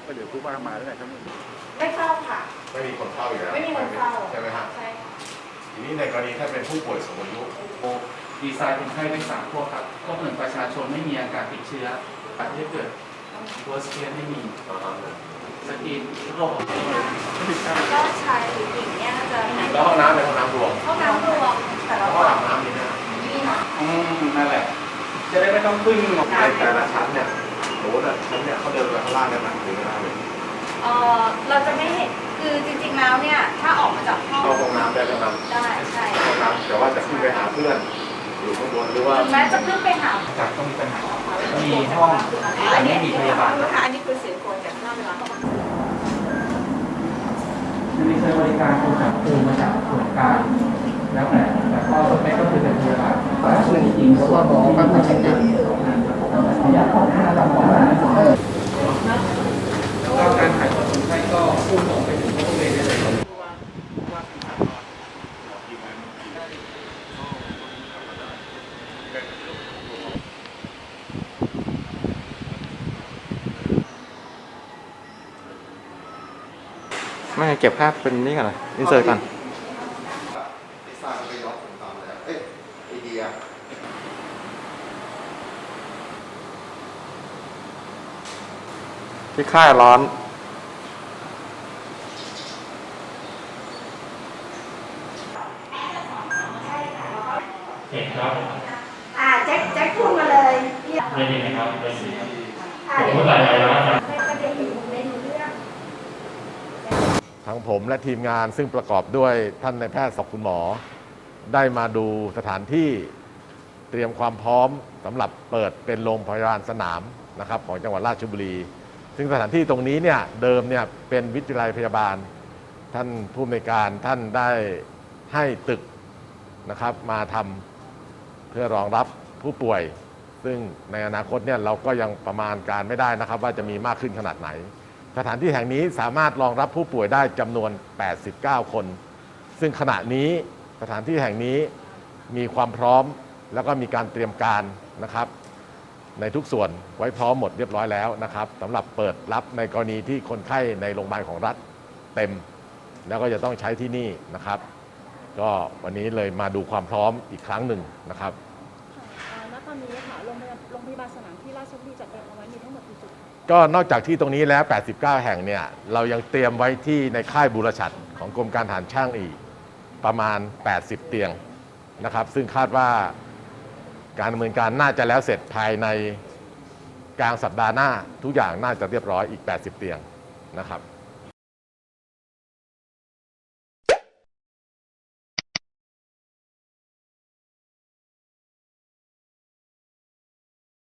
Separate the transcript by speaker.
Speaker 1: ก็เดี๋ยวผู้ว่ามาแล้วไงครับ
Speaker 2: ไม่เข้าค่ะ
Speaker 3: ไม่มีคนเข้าอยู่แล้ว
Speaker 2: ไม่มีคนเข้า
Speaker 3: ใช่ไหมครับ
Speaker 2: ใช่
Speaker 3: ทีนี้ในกรณีถ้าเป็นผู้ป่วยสูงอายุ
Speaker 4: ดีไซน์คนไข้เป็น3พวกครับพวกหนึ่งประชาชนไม่มีอาการติดเชื้ออาจจะเกิด worst case ไม่มีสกรีนโรคของตัวเอง
Speaker 2: ก็ชายหรือหญิงเนี่ยน่าจะ
Speaker 3: แล้วห้องน้ำเป็นห้องน้ำรวม
Speaker 2: แต่เรา
Speaker 3: ห้องอาบน้ำนี่นะ
Speaker 2: นี่ค่ะ
Speaker 4: นั่นแหละจะได้ไม่ต้องพึ่งหมอ
Speaker 3: ในแต่ละชั้นเนี่ยโอ้โหชั้นเนี่ยเขาเดินไปข้างล่างได้ไหมหรือไม่ได้เลย
Speaker 2: เราจะไม่เห็นคือจริงๆแล้วเนี่ยถ้าออกมาจากห้อง
Speaker 3: เข้าห้องน้ำได้แล้วครับ
Speaker 2: ได้ใช่
Speaker 3: ห้องน้ำแต่ว่าจะขึ้นไปหาเพื่อนอยู่ข้างบนหรือว่า
Speaker 2: ถึงแม้จะขึ้นไปหา
Speaker 4: จากต้องมีปัญหามีห้องแต่ไม่มีพยาบาล
Speaker 2: อันนี้คือเสียงคนจากหน้าเวลาเข้ามา
Speaker 4: มีใช้บริการคนจับปูมาจากส่วนกลางแล้วแต่ก็ส่วนไม่ก็คือเป็นพยาบาลแต่ส่วนจริงๆส่วนของการทำงานพยาของหน้าลำบากแล้วก็การถ่ายทอดคนไข้ก็พุ่งตรงไปถึงผู้ป่วยได้เลย
Speaker 5: ไม่เก็บภาพเป็นนี่ก่อนนะอินเสิร์ตก่อน
Speaker 3: ลิซ่าก็ไปย้อนผมตามแล้วไอเดีย
Speaker 5: ที่ค่ายร้อน
Speaker 6: เห็นครับ
Speaker 2: แจ็คพูดมาเลย
Speaker 6: ได้ยินไหมครับได้ยินผมพูดอะไรแล้วครับ
Speaker 3: ทั้งผมและทีมงานซึ่งประกอบด้วยท่านนายแพทย์ศคุณหมอได้มาดูสถานที่เตรียมความพร้อมสำหรับเปิดเป็นโรงพยาบาลสนามนะครับของจังหวัดราชบุรีซึ่งสถานที่ตรงนี้เนี่ยเดิมเนี่ยเป็นวิทยาลัยพยาบาลท่านผู้อำนวยการท่านได้ให้ตึกนะครับมาทำเพื่อรองรับผู้ป่วยซึ่งในอนาคตเนี่ยเราก็ยังประมาณการไม่ได้นะครับว่าจะมีมากขึ้นขนาดไหนสถานที่แห่งนี้สามารถรองรับผู้ป่วยได้จำนวน89คนซึ่งขณะนี้สถานที่แห่งนี้มีความพร้อมแล้วก็มีการเตรียมการนะครับในทุกส่วนไว้พร้อมหมดเรียบร้อยแล้วนะครับสำหรับเปิดรับในกรณีที่คนไข้ในโรงพยาบาลของรัฐเต็มแล้วก็จะต้องใช้ที่นี่นะครับก็วันนี้เลยมาดูความพร้อมอีกครั้งหนึ่งนะครับ
Speaker 7: ณตอนนี้ค่ะโรงพยาบาลสนามที่ราชบุรีจัดเตรียมเอาไว้มีทั้งหมดกี่จุด
Speaker 3: ก็นอกจากที่ตรงนี้แล้ว89แห่งเนี่ยเรายังเตรียมไว้ที่ในค่ายบูรชัดของกรมการทหารช่างอีกประมาณ80เตียงนะครับซึ่งคาดว่าการดำเนินการน่าจะแล้วเสร็จภายในกลางสัปดาห์หน้าทุกอย่างน่าจะเรียบร้อยอีก80เตียงนะครับ